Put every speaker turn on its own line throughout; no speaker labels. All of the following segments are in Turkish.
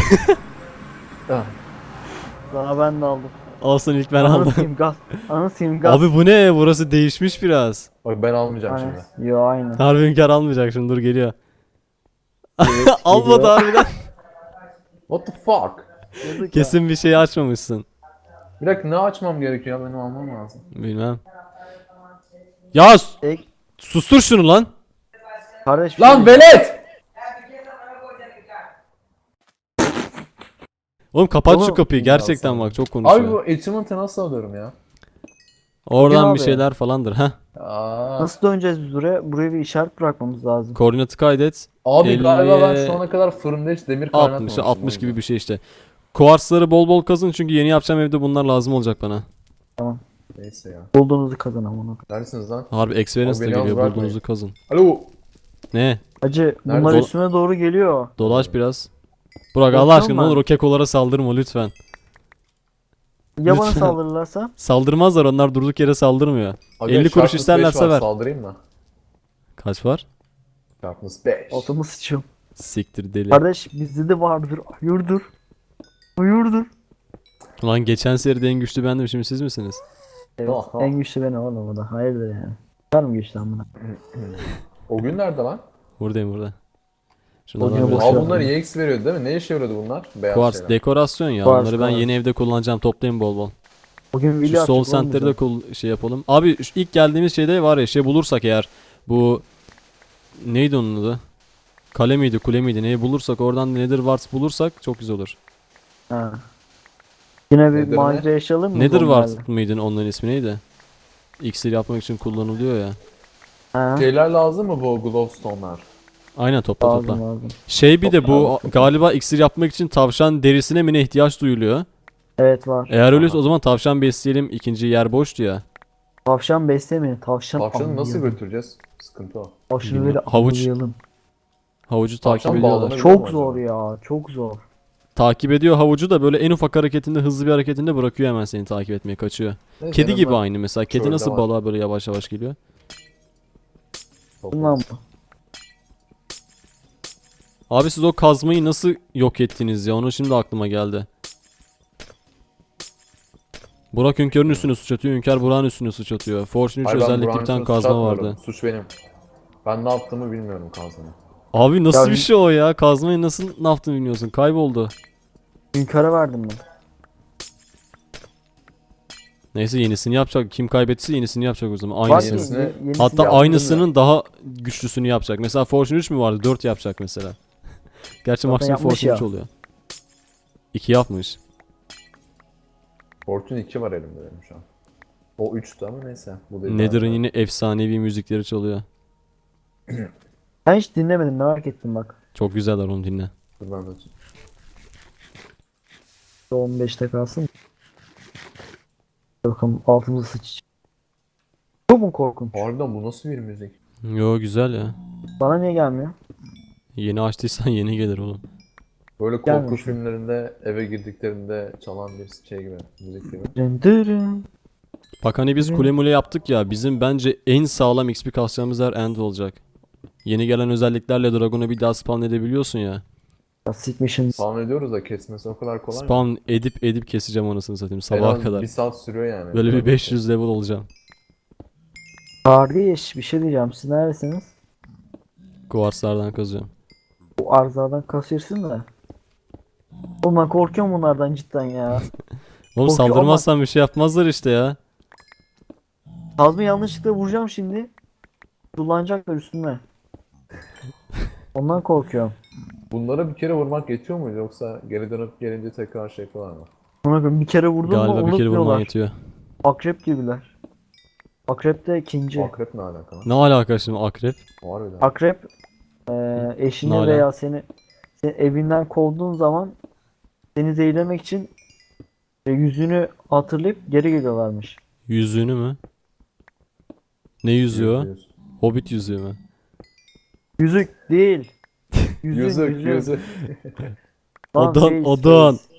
Ah,
Daha ben de aldım.
Olsun ilk ben
Ananı
aldım.
sikeyim gaz. Ananı sikeyim gaz.
Abi bu ne? Burası değişmiş biraz.
bak ben almayacağım
Hani,
şimdi.
yo aynı.
Harbi Hünkar almayacak şimdi, dur geliyor.
Evet,
Almadı
geliyor.
harbiden.
What the fuck?
Yazık ya.
Kesin bir şey açmamışsın.
Bir dakika, ne açmam gerekiyor ya, benim almam lazım.
Bilmem. Ya
Ek,
sustur şunu lan.
kardeş bir
Lan
şey-
velet!
Oğlum kapat şu
Oğlum,
kapıyı gerçekten,
ya
bak çok
Abi
konuşuyor.
bu achievement'ı nasıl alıyorum ya?
Oradan bir
abi.
şeyler falandır ha.
Aa,
Nasıl döneceğiz biz buraya? Buraya bir işaret bırakmamız lazım.
Koordinatı kaydet.
abi galiba ben
50'ye
şu ana kadar fırında hiç demir
60'a
kaynatmamışım.
60 gibi bir şey işte. Kuarsları bol bol kazın çünkü yeni yapacağım evde bunlar lazım olacak bana.
Neyse ya.
Bulduğunuzu kazan amına.
Neredesiniz lan?
Harbi experience
Abi
de
beni yalnız
geliyor,
bırakmayın.
bulduğunuzu kazın.
Alo.
Ne?
Hacı bunlar
Nerede?
üstüme doğru geliyor.
Dolaş biraz. Burak Allah
Korkuyorum
aşkına ne
ben.
olur o kekolara saldırma lütfen.
Ya bana
Lütfen.
saldırırlarsa?
Saldırmazlar, onlar durduk yere saldırmıyor.
Aga,
50 kuruş
Sharpness 5
isterlerse
var,
ver.
saldırayım mı?
Kaç var?
Sharpness 5.
Altıma sıçıyorum.
Siktir deli.
Kardeş bizde de vardır. Hayırdır? Hayırdır?
Ulan geçen seride en güçlü bendim, şimdi siz misiniz?
Evet,
Aha.
en güçlü benim oğlum o da. Hayırdır yani. Var mı güçlü amına?
O gün nerede lan?
Buradayım burada.
O
Şunlardan
gün
biraz
boş
şey
Al
ver.
bunlar
yapayım.
EX veriyordu değil mi? Ne işe yarıyordu bunlar? Beyaz
Kuars
şeyler.
dekorasyon ya.
Kuars,
Onları ben
kuars.
yeni evde kullanacağım. Toplayın bol bol.
Bugün
Şu
video
Soul
atacak oğlum
Center'da şey yapalım. Abi şu ilk geldiğimiz şeyde var ya, şey bulursak eğer, bu neydi onun adı? Kale miydi, kule miydi? Neyi bulursak oradan Nether Wart bulursak çok güzel olur.
Ha. Yine bir
Nedir ne?
macera yaşayalım mı?
Nether
zombilerle?
Wart mıydı onların ismi, neydi? İksir yapmak için kullanılıyor ya.
Ha.
Şeyler lazım mı bu glowstone'lar?
Aynen, topla
Lazım
topla.
lazım.
Şey bir de bu
Topla.
galiba iksir yapmak için tavşan derisine mi ne ihtiyaç duyuluyor.
Evet var.
Eğer öyleyse o zaman tavşan besleyelim, ikinci yer boştu ya.
Tavşan beslemeyin. Tavşan
Tavşanı nasıl
avlayalım.
götüreceğiz? Sıkıntı o.
Tavşanı böyle
Havuç.
avlayalım.
Havucu takip
Tavşan
ediyorlar.
bağlanabilir mi
Çok
acaba?
zor ya. Çok zor.
Takip ediyor havucu da, böyle en ufak hareketinde, hızlı bir hareketinde bırakıyor hemen seni takip etmeye, kaçıyor.
Neyse,
Kedi
en
gibi
azından
aynı mesela. Kedi
şöyle
nasıl
var.
balığa böyle yavaş yavaş geliyor.
Bundan bu.
Abi siz o kazmayı nasıl yok ettiniz ya? Onu şimdi aklıma geldi. Burak Hünkar'ın üstüne suç atıyor. Hünkar Burak'ın üstüne suç atıyor. Fortune 3
Hayır, ben
özellikle
Burak'ın
bir tane
üstüne suç
kazma
atmıyorum.
vardı.
Suç benim. Ben ne yaptığımı bilmiyorum kazmanı.
Abi nasıl
Ya
bir şey o ya? Kazmayı nasıl ne yaptığını bilmiyorsun. Kayboldu.
Hünkara verdim ben.
Neyse yenisini yapacak. Kim kaybettiyse yenisini yapacak o zaman.
Var
Aynısını.
ki
Yenisini-
yenisini
Hatta
yaptım
aynısının daha güçlüsünü yapacak. Mesela Fortune 3 mü vardı? 4 yapacak mesela. Gerçi
Zaten
maksimum
yapmış
Fortune
ya.
3 oluyor. 2 yapmış.
Fortune 2 var elimde benim şu an. O 3'tü ama neyse. Bu değil
Nether'ın
galiba.
yine efsanevi müzikleri çalıyor.
Ben hiç dinlemedim, merak ettim bak.
Çok güzeller, onu dinle.
Dur ben de.
15'te kalsın. Bakalım altımıza sıç. Çok mu korkunç?
Harbiden bu nasıl bir müzik?
Yo güzel ya.
Bana niye gelmiyor?
Yeni açtıysan yeni gelir oğlum.
Böyle korku
Gelmemiş.
filmlerinde eve girdiklerinde çalan bir şey gibi, müzik gibi.
Dındırın.
Bak hani biz kule mule yaptık ya, bizim bence en sağlam XP kasacağımız yer End olacak. Yeni gelen özelliklerle Dragon'u bir daha spawn edebiliyorsun ya.
Ya sikmişim.
Spawn ediyoruz da kesmesi o kadar kolay mı?
Spawn edip keseceğim anasını satayım
En
sabaha
az
kadar.
bir saat sürüyor yani.
Böyle bir 500 level olacağım.
Kardeş bir şey diyeceğim. Siz neredesiniz?
Kuvarslardan kazıyorum.
Bu arızadan kasıyorsun da. Oğlum ben korkuyorum bunlardan cidden ya.
Oğlum
Korkuyor
saldırmazsan bir şey yapmazlar işte ya.
Kazma yanlışlıkla vuracağım şimdi. Kullanacaklar üstüme. Ondan korkuyorum.
Bunlara bir kere vurmak yetiyor muydu yoksa geri dönüp gelince tekrar şey yapıyorlar mı?
Ona göre bir kere vurdum mu
Galiba bir kere vurman
unutmuyorlar.
yetiyor.
Akrep gibiler. Akrep de ikinci.
Akrep ne alaka lan?
Ne alaka şimdi akrep?
Harbiden.
Akrep eşini
Nala.
veya seni evinden kovduğun zaman seni zehirlemek için yüzünü hatırlayıp geri geliyorlarmış.
Yüzüğünü mü? Ne yüzüyor?
Yüz.
Hobbit yüzüğü mü?
Yüzük değil. Yüzük,
Yüzük, yüzük.
Lan
Odan,
face,
odan.
face.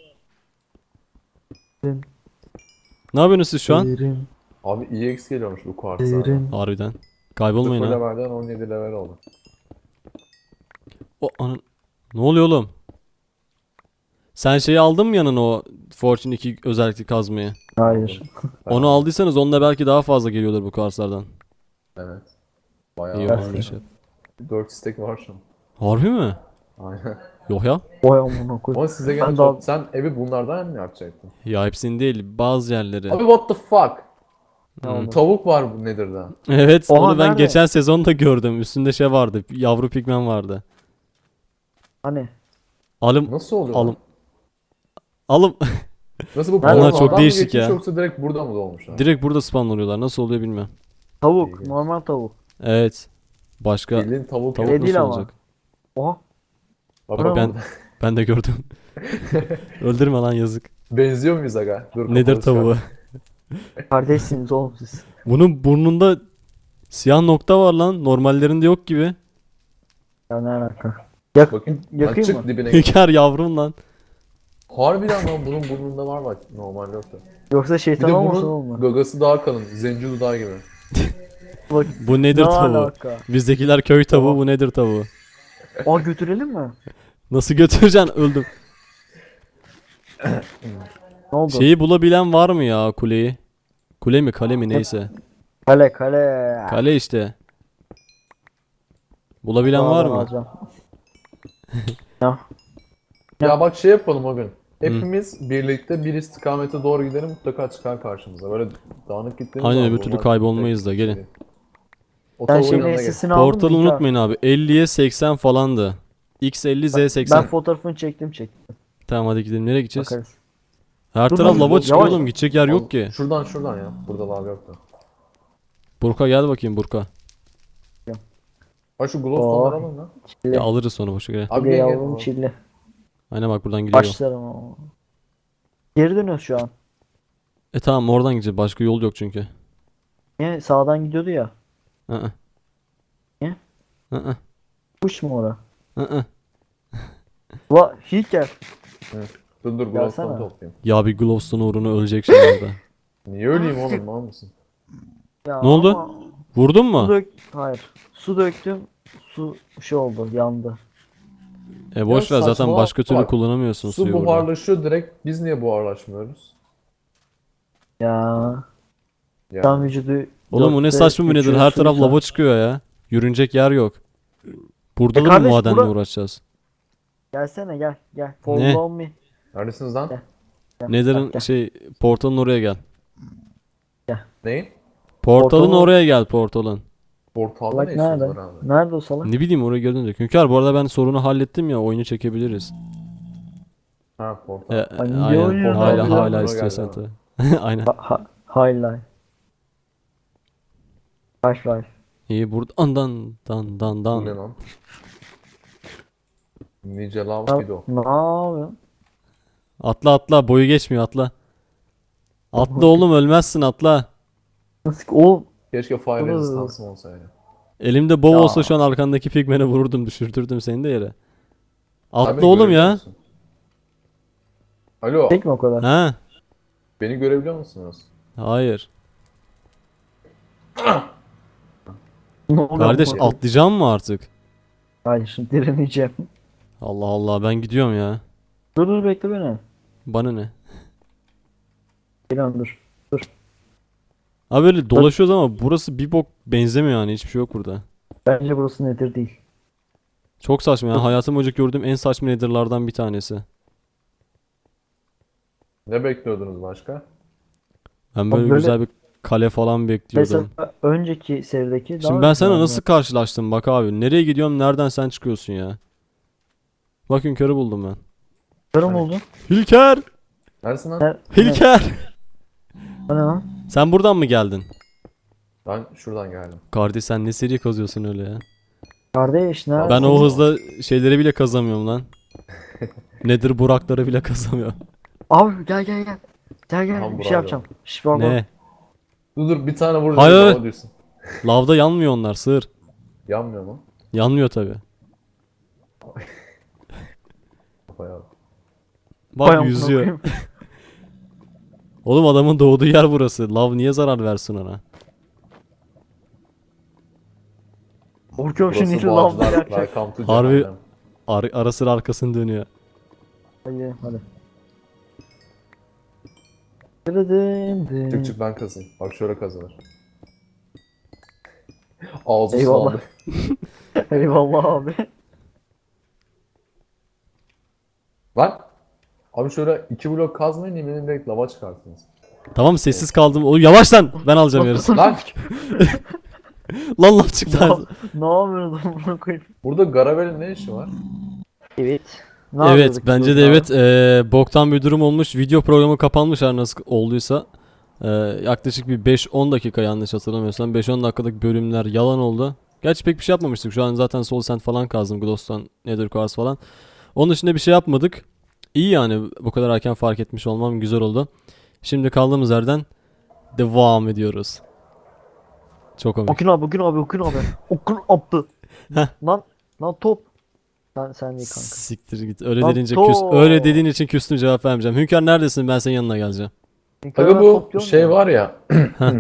Ne yapıyorsunuz siz şu an?
Derin,
Abi EX geliyormuş bu kuartsa.
derin.
Harbiden.
0
Kaybolmayın ha.
levelden 17 level oldu.
O anın. Ne oluyor oğlum? Sen şeyi aldın mı yanına o Fortune 2 özellikli kazmayı?
Hayır.
Onu aldıysanız onda belki daha fazla geliyordur bu karslardan.
Evet.
İyi
Bayağı
o
var.
halde şey.
4 istek var şu an.
Harbi mi?
Aynen.
Yok ya.
Oy amına koyayım.
Ama size
Ben
gene
daha-
sen evi bunlardan mı yapacaktın?
Ya hepsini değil, bazı yerleri.
Abi what the fuck?
Ne oldu?
Tavuk var bu Nether'da.
Evet,
Oha,
onu ben
nerede?
geçen sezon da gördüm. Üstünde şey vardı, yavru pigmen vardı.
Hani?
Alım,
Nasıl oluyor?
alım. Alım.
Nasıl bu
Onlar
portaldan
çok
mı
değişik
geçmiş
ya.
yoksa direkt burada mı doğmuşlar?
Direkt burada spawnlanıyorlar. Nasıl oluyor bilmiyorum.
Tavuk.
İlginç.
Normal tavuk.
Evet. Başka
Bildiğin tavuk.
tavuk
Şey
nasıl
değil ama.
olacak?
Oha.
Bak,
Bravo.
Ben ben de gördüm. Öldürme lan yazık.
benziyor muyuz aga? Dur,
Nedir
kapalı çıkar.
tavuğu?
Kardeşsiniz oğlum siz.
Bunun burnunda siyah nokta var lan. Normallerinde yok gibi.
Ya ne alaka? Yak
Bakayım.
yakayım
Çık
mı?
dibine git.
Hünkar yavrum lan.
Harbiden lan bunun burnunda var bak. Normal yoktu.
Yoksa
Bir
şeytan
de
olmasın
bunun
oğlum mu?
gagası daha kalın. Zenci dudağı gibi.
Bak
Bu nedir
ne
tavuğu?
alaka?
Bizdekiler köy tavuğu,
Tamam.
bu nedir tavuğu?
Aa götürelim mi?
Nasıl götüreceksin? Öldüm.
Ne oldu?
Şeyi bulabilen var mı ya kuleyi? Kule mi kale mi neyse.
Kale kale.
Kale işte. Bulabilen var
Dağdan
mı?
alacağım. Ya.
Ya bak şey yapalım o gün. Hepimiz birlikte bir istikamete doğru gidelim, mutlaka çıkar karşımıza. Böyle dağınık gittiğimiz
Aynen,
zaman
öbür türlü
bunlar
kaybolmayız
tek
da, gelin.
şey. O
Sen
tavuğun
şeyin
yanına gel.
SS'ini aldın mı?
Portalı
Hünkar?
unutmayın abi. 50'ye 80 falandı. X50 Z80.
Ben fotoğrafını çektim.
Tamam hadi gidelim. Nereye gideceğiz?
Bakarız.
Her
Dur,
taraf
dur,
lava
dur,
çıkıyor
yavaş.
oğlum. Gidecek yer yok ki.
Şuradan ya. Burada lav yoktu.
Burka gel bakayım Burka.
Ha şu glowstone'ları
Oh.
alın lan.
Çilli.
Ya alırız sonra boşa gel.
Abi
Çilli
gel
yavrum
gel.
çilli.
Aynen bak buradan gidiyor.
Başlarım ama. Geri dönüyoruz şu an.
Tamam oradan gideceğiz. Başka yol yok çünkü.
Niye sağdan gidiyordu ya.
Hı.
Niye?
Hı.
Kuş mu ora?
Hı.
Va Hilker.
Dur
Gelsene.
glowstone toplayayım.
Ya bir Glowstone uğruna ölecek şimdi orada.
Niye öleyim oğlum, mal mısın?
Ya
Ne oldu?
ama
Vurdun
Su
mu?
Hayır. Su döktüm. Su şey oldu, yandı.
Boş ver
Ya
zaten
saçma
başka türlü
bak.
kullanamıyorsun
Su
suyu burada.
buharlaşıyor direkt. Biz niye buharlaşmıyoruz?
Ya.
Ya.
Tam vücudu
Oğlum bu ne
dörtte
saçma bir nedir?
geçiyor
Her taraf
suysa.
lava çıkıyor ya. Yürünecek yer yok. Burada da mı
kardeş,
madenle
bura-
uğraşacağız?
Gelsene gel.
Ne?
Follow me.
Neredesiniz lan?
Gel. Gel,
Nether'ın
gel.
şey portalın oraya gel.
Neyin?
Portalın
Portalın-
oraya gel portalın.
Portalda
Salak
ne işiniz
nerede?
var abi?
Nerede o salak?
Ne bileyim oraya gördüm de. Hünkar bu arada ben sorunu hallettim ya, oyunu çekebiliriz.
Ha portal.
Ay, niye
Aynen
oynuyorsun
hala
abi?
hala
Oraya
istiyorsan
geldi
tabii. Aynen.
Highlight. Half-Life.
İyi buradan dan
Bu ne lan? Nice lav
Ya,
video.
ne yapıyorsun?
Atla boyu geçmiyor atla. Atla oğlum ölmezsin atla.
Nasıl ki? Oğlum
Keşke fire
Iı.
resistance'ım olsaydı.
Elimde bow
Ya.
olsa şu an arkandaki pigmeni vururdum, düşürtürdüm seni de yere. Atla
Abi beni
oğlum
görebiliyor
ya.
musun? Alo.
tek mi o kadar?
Ha?
Beni görebiliyor musunuz?
Hayır.
Ne oluyor
Kardeş
bu?
atlayacağım mı artık?
Hayır direneceğim.
Allah Allah ben gidiyorum ya.
Dur bekle beni.
Bana ne?
Geliyorum dur.
Abi böyle dolaşıyoruz ama burası bir bok benzemiyor yani, hiçbir şey yok burada.
Bence burası nedir değil.
Çok saçma yani, hayatım boyunca gördüğüm en saçma netherlardan bir tanesi.
Ne bekliyordunuz başka?
Ben böyle
böyle-
güzel bir kale falan bekliyordum.
Mesela önceki serideki daha
Şimdi ben
güzel
sana
ama.
nasıl karşılaştım bak abi. Nereye gidiyorum, nereden sen çıkıyorsun ya. Bak Hünkar'ı buldum ben.
Karım oldu.
Hülker!
Neredesin lan?
Ne?
Hülker!
O ne lan?
Sen buradan mı geldin?
Ben şuradan geldim.
Kardeş sen ne seri kazıyorsun öyle ya.
Kardeş ne?
Ben o hızla şeyleri bile kazamıyorum lan. Nedir burakları bile kazamıyorum.
Abi gel. Gel
Tamam,
bir şey
bravo.
yapacağım. Şş bak bak.
Ne?
Dur bir tane vur.
Hayır,
dedi,
hayır.
hava diyorsun.
Lavda yanmıyor onlar, sığır.
Yanmıyor mu?
Yanmıyor tabi.
Kafaya bak.
Bak
Vay amına
yüzüyor.
koyayım.
Oğlum adamın doğduğu yer burası. Lav niye zarar versin ona?
Korkuyorum
Burası
şimdi lavda
Boğazlar.
yakacak.
Welcome to
Harbi-
Cehennem.
Ara sıra arkasını dönüyor.
Hadi. Dın.
Çık çık ben kazayım. Bak şöyle kazanır. Ağzı
Eyvallah.
sulandı.
Eyvallah abi.
Lan. Abi şöyle 2 blok kazmayın yemin direkt lava çıkartınız.
Tamam sessiz kaldım. Oğlum yavaş lan. Ben alacağım yarısı.
Lan
Lan laf çıktı.
Ne yapıyorsun bunu koyayım?
burada Garavel'in ne işi var?
Evet. Ne
Evet
yapıyorduk
bence
biz
de
orada?
evet. Boktan bir durum olmuş. Video programı kapanmış her nasıl olduysa. Yaklaşık bir 5-10 dakika yanlış hatırlamıyorsam. 5-10 dakikalık bölümler yalan oldu. Gerçi pek bir şey yapmamıştık. Şu an zaten Soul Sand falan kazdım. Glowstone, Nether Quartz falan. Onun dışında bir şey yapmadık. İyi yani bu kadar erken fark etmiş olmam güzel oldu. Şimdi kaldığımız yerden devam ediyoruz. Çok komik.
Okun abi. Okun abi.
Heh.
Lan top. Sen değil kanka.
Siktir git. Öyle
Lan
dediğince
to-
öyle dediğin için küstüm cevap vermeyeceğim. Hünkar neredesin? Ben senin yanına geleceğim.
Aga bu şey var ya.
Heh.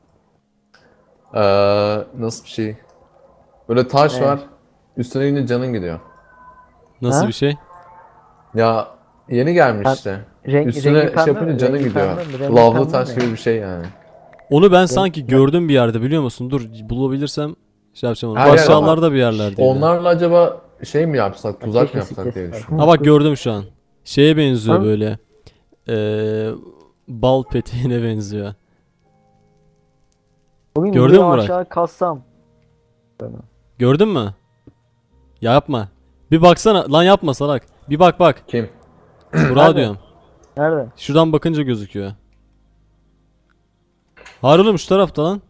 Nasıl bir şey? Böyle taş
Ne?
var. Üstüne yine canın gidiyor.
Nasıl
Ha?
bir şey?
Ya yeni gelmiş
Ben-
işte.
Renk,
Üstüne
rengi
şey
pembe
yapınca
mi?
canın
Rengi
gidiyor.
pembe mi? Rengi
Lavlı
pembe
taş
mi?
gibi bir şey yani.
Onu ben sanki gördüm bir yerde biliyor musun? Dur bulabilirsem şey yapacağım onu.
Her
Bu
yer
aşağılarda bir yerlerdeydi.
Onlarla acaba şey mi yapsak, tuzak mı
Keşke
yapsak diye
siklesinler.
düşünüyorum.
Ha bak gördüm şu an. Şeye benziyor
Ha?
böyle. Bal peteğine benziyor.
Bugün
Gördün
videoyu
mü Burak?
aşağı kassam.
Gördün mü? Ya yapma. Bir baksana. Lan yapma salak. Bir bak.
Kim?
Burak'a
Nerede?
diyorum.
Nerede?
Şuradan bakınca gözüküyor. Hayır oğlum şu tarafta lan.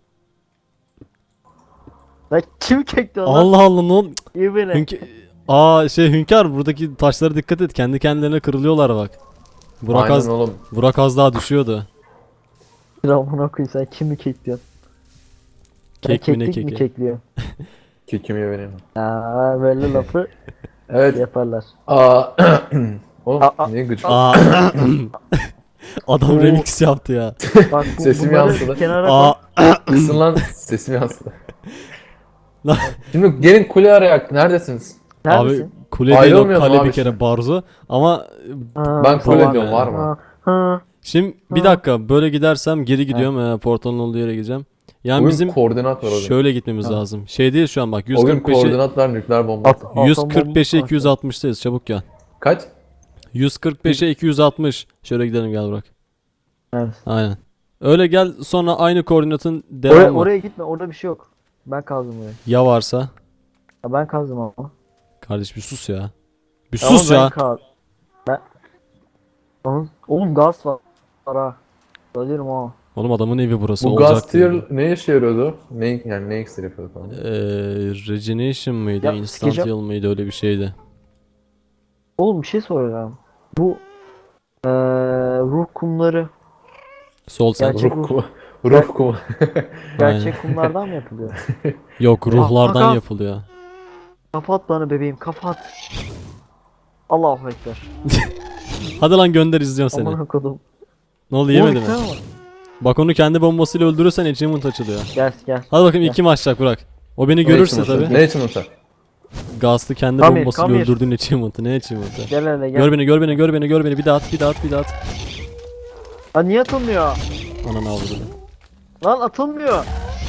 Lan kim çekti onu?
Allah Allah ne oldu?
İyi beni.
Hünkar buradaki taşlara dikkat et. Kendi kendilerine kırılıyorlar bak. Burak
Aynen oğlum.
Az daha düşüyordu.
Ramona koy sen kimi kekliyorsun? Ben
Kek mi ne
keklik mi
keki?
kekliyor?
Kimi vereyim.
Böyle lafı
Evet.
yaparlar.
Aa. Oğlum
Aa,
niye gıcık?
Aa. Adam
Oo.
remix yaptı ya.
Bak
Sesim
bunları
yansıdı.
Kenara
Aa.
koy.
Kısın lan sesim yansıdı.
Lan.
Şimdi gelin kule arayak. Neredesiniz?
Neredesin?
Abi kule değil o
Ayrılmıyordum
kale
abi
bir kere
şimdi.
barzo ama
Ha,
Ben kule
Tamam
diyorum
yani.
var mı?
ha.
şimdi bir
Ha.
dakika böyle gidersem geri gidiyorum portalın olduğu yere gideceğim. Yani
Bugün
bizim
koordinat var o gün.
şöyle gitmemiz
Ha.
lazım. Şey değil şu an bak
O gün
145'e
koordinatlar nükleer bomba.
At-
145'e
atom
260'tayız çabuk gel.
Kaç?
145'e 260. Şöyle gidelim gel Burak.
Evet.
Aynen. Öyle gel sonra aynı koordinatın devamı.
Oraya gitme orada bir şey yok. Ben kazdım oraya.
Ya varsa?
Ya ben kazdım ama.
Kardeş bir sus ya. Bir
Ama
sus
ben
ya.
Ben... Oğlum gaz var. Ha. Söylerim ha.
Oğlum adamın evi burası
Bu
olacak
gaz tier
diye.
ne işe yarıyordu? Ne yani ne iksir yapıyordu falan?
Regeneration mıydı?
Ya,
Instant
sikeceğim.
heal mıydı? Öyle bir şeydi.
Oğlum bir şey soracağım. Bu ruh kumları
Sol sen.
Gerçek-
Ruh kumu. Ruh kumu.
gerçek kumlardan mı yapılıyor?
Yok ruhlardan
Hakan.
yapılıyor.
Kafa at bana bebeğim kafa at. Allahu Ekber.
Hadi lan gönder izliyorum seni.
Aman okudum.
Ne oldu yemedi mi?
Tamam.
Bak onu kendi bombasıyla öldürürsen achievement açılıyor.
Gel.
Hadi bakayım
Gel.
kim açacak Burak. O beni görürse tabi.
Ne için unutar?
Gazlı kendi
Come here,
bombasıyla
come here.
öldürdüğün achievement'ı. Ne achievement'ı?
Gel hele gel.
Gör beni. Bir daha at.
Aa, niye atılmıyor?
Ananı avradını.
Lan atılmıyor.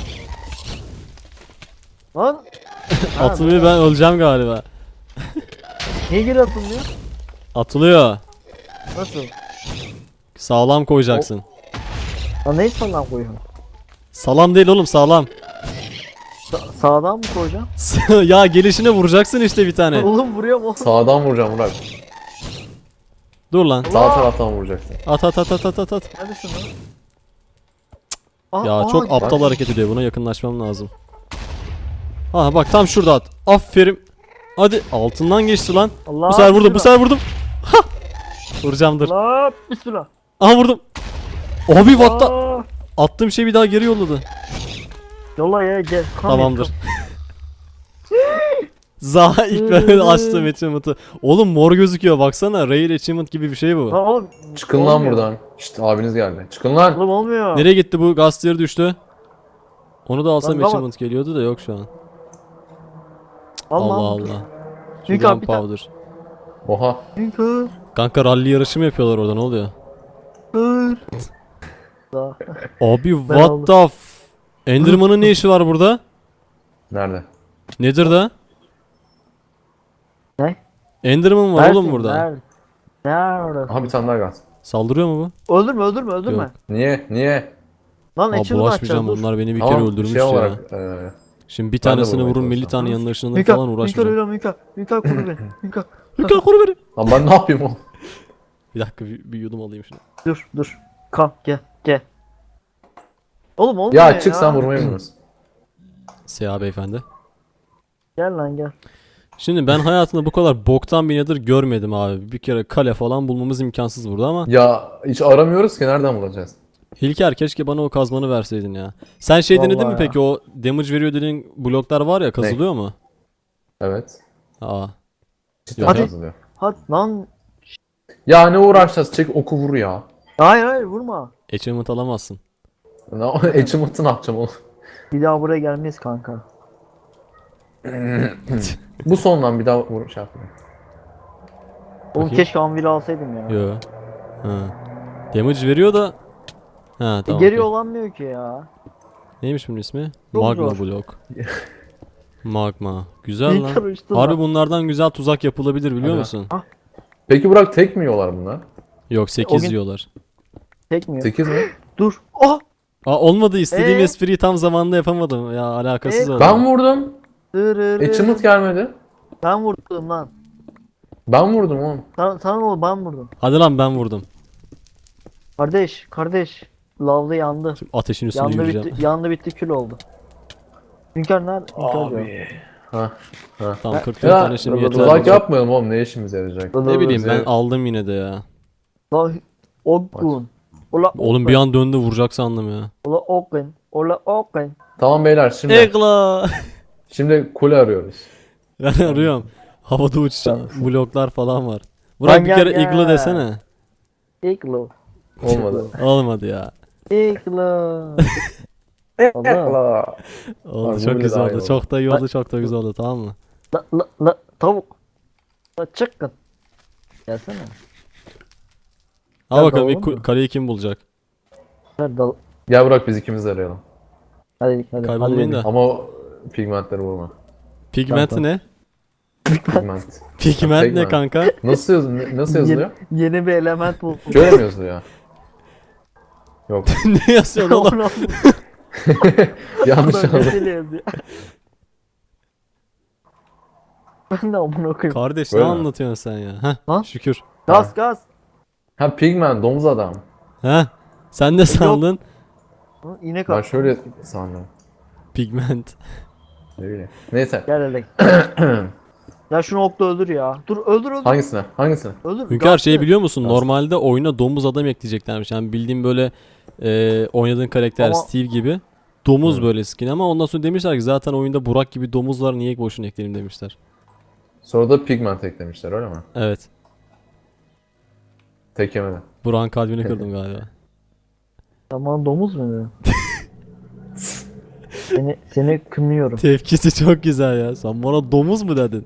Lan. Ha,
Atılıyor ben öleceğim galiba.
Niye geri atılmıyor?
Atılıyor.
Nasıl?
Sağlam koyacaksın.
Lan neyi sağdan koyuyorsun?
Salam değil oğlum sağlam.
Sağdan mı koyacağım?
Ya gelişine vuracaksın işte bir tane.
Oğlum vuruyorum oğlum.
Sağdan vuracağım Murat.
Dur lan.
Sağ taraftan vuracaksın.
At.
Neredesin lan? Aa,
Ya
aa,
çok
gel.
aptal hareket ediyor. Buna yakınlaşmam lazım. Ha bak tam şurada at. Aferin. Hadi altından geçti lan.
Allah
Bu sefer vurdum.
bismillah.
Ha! Vuracağım dur.
Allah bismillah.
Aha vurdum. Abi what the...
Aa,
Attığım şey bir daha geri yolladı.
yolla ya gel. Come
Tamamdır.
here,
Zaha ilk ben açtım achievement'ı. Oğlum mor gözüküyor baksana. Rare achievement gibi bir şey bu.
come. Lan oğlum.
Çıkın lan
olmuyor.
buradan. İşte abiniz geldi. Çıkın lan.
Oğlum olmuyor.
Nereye gitti bu? Gastier düştü. Onu da alsam
Lan tamam.
achievement geliyordu da yok şu an.
Allah
Allah
Allah.
Allah.
Çünkü
Şuradan
abi bir tane-
powder.
Oha.
Çünkü
Kanka rally yarışı mı yapıyorlar orada, ne oluyor?
Dur. Daha.
Abi
Ben
what
aldım.
the Enderman'ın ne işi var burada?
Nerede?
Nedir da?
Ne?
Enderman var oğlum burada.
Nerede? Nerede?
Aha bir tane daha gaz.
Saldırıyor mu
Öldürme öldürme öldürme.
Yok.
Niye? Niye?
Lan
bu? Aa,
açılımı
bulaşmayacağım,
açacağız dur.
bunlar beni bir
Tamam,
kere öldürmüş
şey
ya.
olarak,
Şimdi bir
ben de
tanesini
vurmaya
vurun 50
çalışacağım.
tane yanına ışınlanır
Mika,
falan
Mika
uğraşmayacağım.
ölüyor Mika. Mika koru beni. Mika.
Mika koru beni.
Lan ben ne yapayım oğlum?
Bir dakika bir yudum alayım şunu.
Dur. Kalk gel. Oğlum olmuyor
Ya çık sen vurmayı bilmiyorsun.
Seha beyefendi.
Gel lan gel.
Şimdi ben hayatımda bu kadar boktan bir nether görmedim abi. Bir kere kale falan bulmamız imkansız burada ama.
Ya hiç aramıyoruz ki nereden bulacağız?
Hilker keşke bana o kazmanı verseydin ya. Sen şey denedin mi
Vallahi ya.
peki, o damage veriyor dediğin bloklar var ya, kazılıyor mu?
Evet.
Aa.
Cidden
Hadi.
yazılıyor.
Hadi lan.
Ya ne uğraşacağız? Çek oku vur ya.
Hayır vurma.
Achievement alamazsın.
Achievement'ı ne yapacağım oğlum?
Bir daha buraya gelmeyiz kanka.
Bu sondan bir daha vur şey yapayım.
Oğlum
Bakayım.
keşke anvil alsaydım ya.
Yo. Ha. Damage veriyor da. Ha tamam.
Geri
okey.
olamıyor ki ya.
Neymiş bunun ismi?
Çok
Magma
zor.
blok. Magma. Güzel
İyi
lan.
karıştın
Harbi
lan.
bunlardan güzel tuzak yapılabilir biliyor
Hadi.
musun?
Peki Burak tek mi yiyorlar bunlar?
Yok 8
gün-
yiyorlar.
Çekmiyor.
8 mi?
Dur. Oh.
Aa olmadı, istediğim
Ee?
espriyi tam zamanında yapamadım. Ya alakasız oldu.
Ben vurdum. Achievement gelmedi.
Ben vurdum lan.
Ben vurdum oğlum.
Sana oğlum ben vurdum.
Hadi lan ben vurdum.
Kardeş. Lavda yandı.
Ateşin üstüne
Yandı
yürüyeceğim.
bitti, yandı bitti kül oldu. Hünkar nerede? Hünkar diyor.
Ha.
Tamam 44
Ya
tane şimdi yeter.
tuzak yapmayalım oğlum, ne işimize yarayacak?
Ne bileyim ben
Bize-
aldım yine de ya.
La Ogun. Ola
Oğlum bir an döndü, vuracak sandım ya.
Ola Ogun. Ola Ogun.
Tamam beyler şimdi
Egla.
şimdi kule arıyoruz.
Ben arıyorum. Havada uçuşan bloklar falan var.
Lan
Burak bir
gel,
kere
gel.
iglo desene.
Iglo.
Olmadı.
Olmadı ya.
Iglo. Allah.
Oldu,
Abi,
çok
bu bile
güzel
daha
oldu.
iyi oldu.
Çok da iyi oldu, çok da güzel oldu, tamam mı?
La tavuk. La çıkın. Gelsene.
Al
Nerede
bakalım
oğlum?
ilk kaleyi kim bulacak?
Nerede?
Gel Burak biz ikimiz de arayalım.
Hadi.
Kaybolmayın
hadi.
da.
Ama o pigmentleri vurma.
Pigment
Tamam.
ne?
Pigment.
Pigment ne
Pigment.
kanka?
Nasıl yazılıyor?
Yeni bir element buldum.
Şöyle mi yazılıyor? Yok.
Ne yazıyorsun oğlum?
Onu
Yanlış
aldım.
anladım.
Mesele yazıyor. Ben de amına koyayım.
Kardeş
Böyle
ne
mi?
anlatıyorsun sen ya? Heh,
Lan?
şükür.
Gaz.
Ha pigment, domuz adam.
Heh, sen ne sandın?
Hı, İnek
Ben
al.
şöyle sandım.
Pigment.
Öyle. Neyse.
Gel hele. Ya şunu okla öldür ya. Dur öldür.
Hangisine? Hangisine?
Öldür.
Hünkar şey
Gazlı.
biliyor musun?
Gaz.
Normalde oyuna domuz adam ekleyeceklermiş. Yani bildiğim böyle oynadığın karakter
Ama-
Steve gibi. Domuz
Hı.
böyle skin ama ondan sonra demişler ki zaten oyunda Burak gibi domuz var, niye boşuna ekleyelim demişler.
Sonra da pigment eklemişler öyle mi?
Evet.
Tek yemeden.
Burak'ın kalbini kırdım galiba.
Tamam domuz mu dedin? seni kınıyorum.
Tepkisi çok güzel ya. Sen bana domuz mu dedin?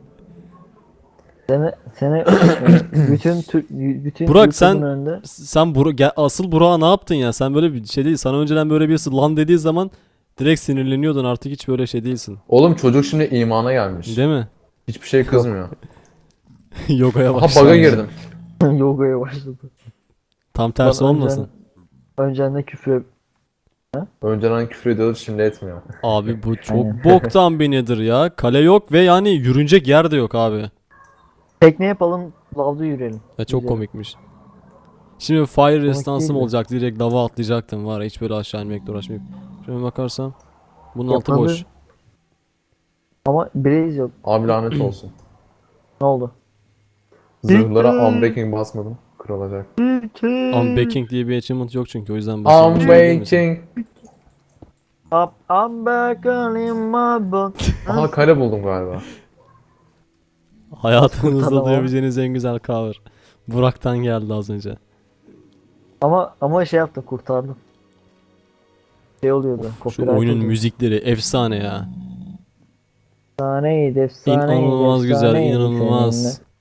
Seni bütün
Burak,
YouTube'un
sen-
önünde
Sen asıl Burak'a ne yaptın ya? Sen böyle bir şey değil. Sana önceden böyle birisi lan dediği zaman direkt sinirleniyordun. Artık hiç böyle şey değilsin.
Oğlum çocuk şimdi imana gelmiş.
Değil mi?
Hiçbir şey kızmıyor.
Yoga'ya
Aha
başladı.
bug'a girdim.
yogaya başladı.
Tam tersi
Lan
olmasın.
Önceden de küfür.
Önceden küfür ediyordu şimdi etmiyor.
Abi bu çok
Aynen.
boktan bir nedir ya. Kale yok ve yani yürünecek yer de yok abi.
Tekne yapalım, lavda yürüyelim.
Ya çok
Güzel.
komikmiş. Şimdi fire resistance'ım
değil de.
olacak, direkt lava atlayacaktım var ya, hiç böyle aşağı inmekle uğraşmayıp. Şöyle bakarsam bunun altı
Yapmadı.
boş.
Ama Blaze yok.
Abi lanet olsun.
Ne oldu?
Zırhlara unbreaking basmadım. Kırılacak.
Unbreaking diye bir achievement yok çünkü, o yüzden basıyorum.
Unbreaking.
Up, I'm back in my boat.
Aha kale buldum galiba.
Hayatınızda
Kurtarma.
duyabileceğiniz en güzel cover. Burak'tan geldi az önce.
Ama şey yaptım, kurtardım. Şey oluyordu.
Şu
copyright
oyunun
oluyordu.
müzikleri efsane ya.
Efsaneydi, efsaneydi.
İnanılmaz güzel,
efsaneydi
inanılmaz.
seninle.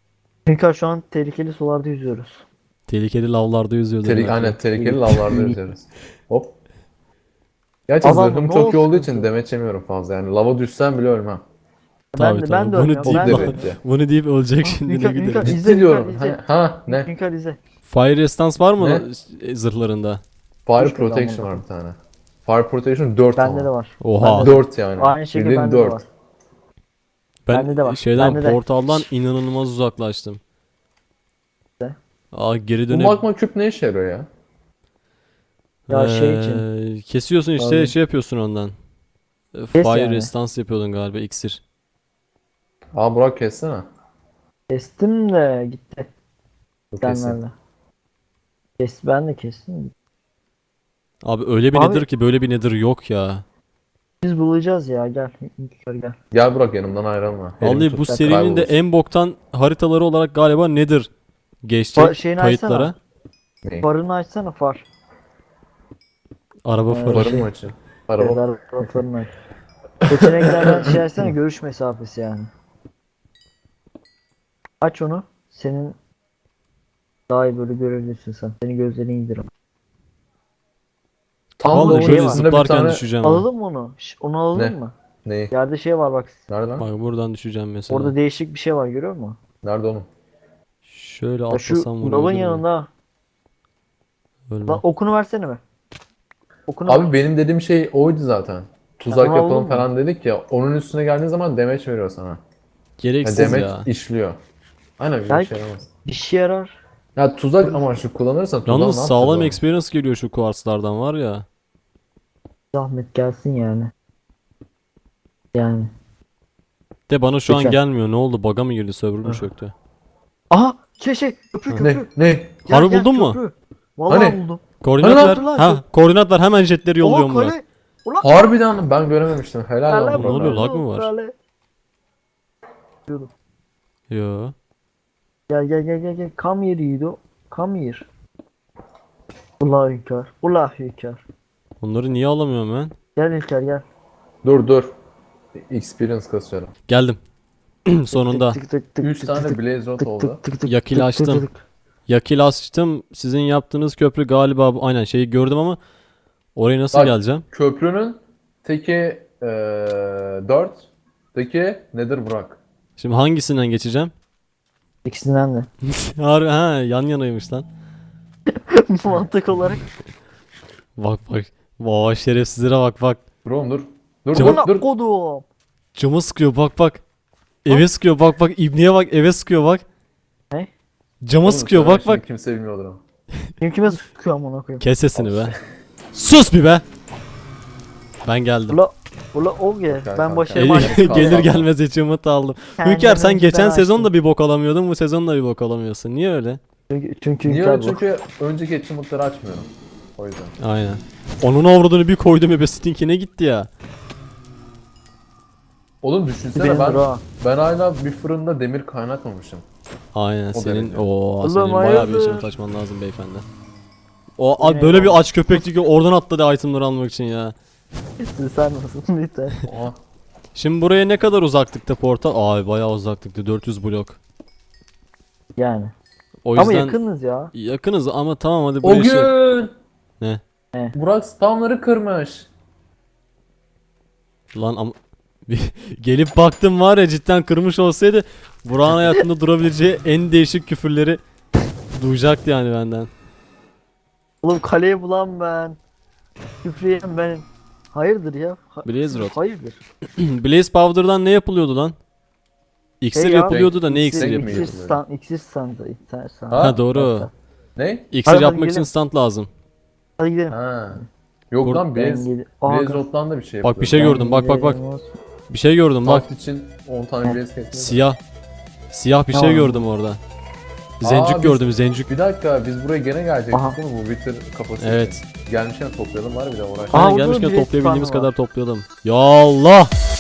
Hünkar şu an tehlikeli sularda yüzüyoruz.
Tehlikeli lavlarda yüzüyordu.
Aynen tehlikeli lavlarda yüzüyoruz. Hop. Gerçi
Adam,
zırhım
ne
çok iyi
olsun
olduğu için
ki?
demeç yemiyorum fazla. Yani lava düşsem bile ölmem.
Tabii,
ben
tabii.
de
Bunu
ölmüyorum.
deyip
Ben de
lan-
ölmüyorum.
Bunu deyip ölecek
Ah,
şimdi ne
Hünkar,
gidelim.
Hünkar, izle,
Ciddi diyorum.
izle.
Ne?
Hünkar izle.
Fire Resistance var mı
Ne?
zırhlarında?
Fire
Düşmedi
Protection
ama.
var bir tane. Fire Protection 4
Bende
ama.
de var.
Oha.
Bende de-
4 yani.
Aynı şekilde
Bildiğin
bende de
4.
var.
Ben
Bende de var,
şeyden
bende de.
portaldan inanılmaz uzaklaştım.
De.
Aa geri
Bu
dönüp
magma küp ne işe yarıyor ya?
Ya şey için.
Kesiyorsun işte
Abi.
şey yapıyorsun ondan.
Kes
Fire
yani.
Resistance yapıyordun galiba iksir.
Aa Burak kessene.
Kestim de gitti.
Dur keseyim.
Senlerle. Ben de kestim.
Abi öyle bir
Abi-
nedir ki böyle bir nedir yok ya.
Biz bulacağız ya, gel. Hünkar gel.
Gel Burak yanımdan ayrılma. Elim
Vallahi
tut,
bu
sen
serinin de
kaybolursun.
en boktan haritaları olarak galiba nedir geçecek
Şeyini
kayıtlara.
açsana.
Ne?
Farını açsana far.
Araba
Ee,
farı.
Farım mı açayım? Araba.
Araba farını aç. Seçeneklerden şey açsana, görüş mesafesi yani. Aç onu. Senin daha iyi böyle görebilirsin sen. Senin gözlerini indir.
Tam
Vallahi
da
Vallahi
şey
böyle
var.
üstünde bir
zıplarken
tane...
düşeceğim. ha.
Alalım mı onu? Onu alalım
Ne?
mı?
Neyi?
Yerde şey var bak.
Nerede lan?
Bak buradan düşeceğim mesela.
Orada değişik bir şey var, görüyor musun?
Nerede oğlum?
Şöyle
Ya şu
atlasam bunu
lavın
ölür müyüm?
yanında.
Ölmem.
Lan okunu versene mi? Okunu
Abi benim dediğim şey oydu zaten. Tuzak
Tamam,
yapalım
olur mu?
falan dedik ya. Onun üstüne geldiğin zaman demeç veriyor sana. Yani
Gereksiz
demeç
ya.
işliyor. Aynen bir
Belki-
şey yaramaz.
bir şey yarar.
Ya tuzak amaçlı kullanırsan tuzağı
Yalnız
ne
sağlam
yapacağız oğlum?
experience geliyor şu kuartslardan var ya.
Zahmet gelsin yani. Yani.
De bana şu an
Lütfen.
gelmiyor. Ne oldu? Bug'a mı girdi? Server mü çöktü?
Aha! Köprü
Ne?
köprü.
Ne?
Gel,
Harbi
gel,
buldun mu?
köprü. Vallahi
Hani?
buldum.
Koordinat
Hani
ver.
lan?
Ha, koordinat ver. Hemen jetleri yolluyorum
Oha
Murat.
kale. Ulan
Harbiden ben görememiştim. Helal
kale.
lan
Ne oluyor,
Burak.
lag mı var?
Kale.
Yo.
Gel. Come here Yiğido. Come here. Ula hünkâr. Ula hünkâr.
Bunları niye alamıyorum ben?
Gel hünkâr gel.
Dur. Experience kasıyorum.
Geldim. Sonunda.
3 tane Blaze Rod oldu.
Yakil açtım. Yakil açtım. Sizin yaptığınız köprü galiba aynen şeyi gördüm ama oraya nasıl
Bak.
geleceğim?
Köprünün teki 4. Teki nedir Burak?
Şimdi hangisinden geçeceğim?
İkisinden de.
Harbi ha yan yanaymış lan.
Mantık olarak.
Bak. Vay şerefsizlere bak.
Dur oğlum dur. Dur
Cevap-
dur dur.
Kodum.
Camı sıkıyor bak. Eve sıkıyor bak. İbniye bak eve sıkıyor bak.
Ne?
Cama
Oğlum,
sıkıyor
söyle
bak.
şimdi Kimse bilmiyordur ama.
Kim kime sıkıyor amına koyayım.
Kes sesini be. Sus bir be. Ben geldim.
Ula o gel.
Gel
Ben
kanka.
başarıma
Gelir gelmez içimit aldım. Hünkar sen geçen sezon da bir bok alamıyordun, bu sezon da bir bok alamıyorsun. Niye öyle?
Çünkü
Niye
hünkâr
öyle?
bu.
Çünkü önceki achievement'ları açmıyorum. O yüzden.
Aynen. Onun avradını bir koydum ebestinkine gitti ya.
Oğlum düşünsene
Benim
ben
bura.
hala bir fırında demir kaynatmamışım.
Aynen
O
senin
derece.
o senin
Oğlum,
bayağı bir
hayırdır?
içimit açman lazım beyefendi. O
Yine
böyle
eyvallah.
bir aç köpekti ki oradan atladı itemleri almak için ya.
Sen nasılsın lütfen.
Oha.
Şimdi buraya ne kadar uzaklıkta portal? Ay bayağı uzaklıkta 400 blok.
Yani.
O
Ama
yüzden
yakınız ya.
yakınız ama tamam hadi
O
buraya şey...
gün
Ne?
Ne?
Burak spamları kırmış.
Lan ama gelip baktım var ya cidden kırmış olsaydı Burak'ın hayatında durabileceği en değişik küfürleri duyacaktı yani benden.
Oğlum kaleyi bulan ben. Küfreyen benim. Hayırdır ya?
Blaze Rod.
Hayırdır.
Blaze Powder'dan ne yapılıyordu lan? İksir
Şey ya,
yapılıyordu da ne
İksir-
iksir
mi
yapılıyordu?
İksir
yapılıyor?
stand. İksir standı. İksir stand.
Ha?
Ha doğru.
Ne?
İksir
Hadi
yapmak için
gidelim.
stand lazım.
Hadi gidelim.
Ha. Yok
Bur-
lan Blaze Rod'dan da bir şey
Bak bir şey
yapılıyor.
gördüm bak. Bir şey gördüm bak.
Taft için 10 tane Blaze kesmiş.
Siyah. Siyah bir şey
Tamam.
gördüm orada. Zencük
biz-
gördüm zencük.
Bir dakika biz buraya gene gelecektik
Aha.
değil mi bu Wither kafası
Evet.
için? Gelmişken toplayalım var bir de uğraşalım.
Aa,
Aynen
orada
gelmişken
Blaze
toplayabildiğimiz
Powder var.
kadar toplayalım. Ya Allah!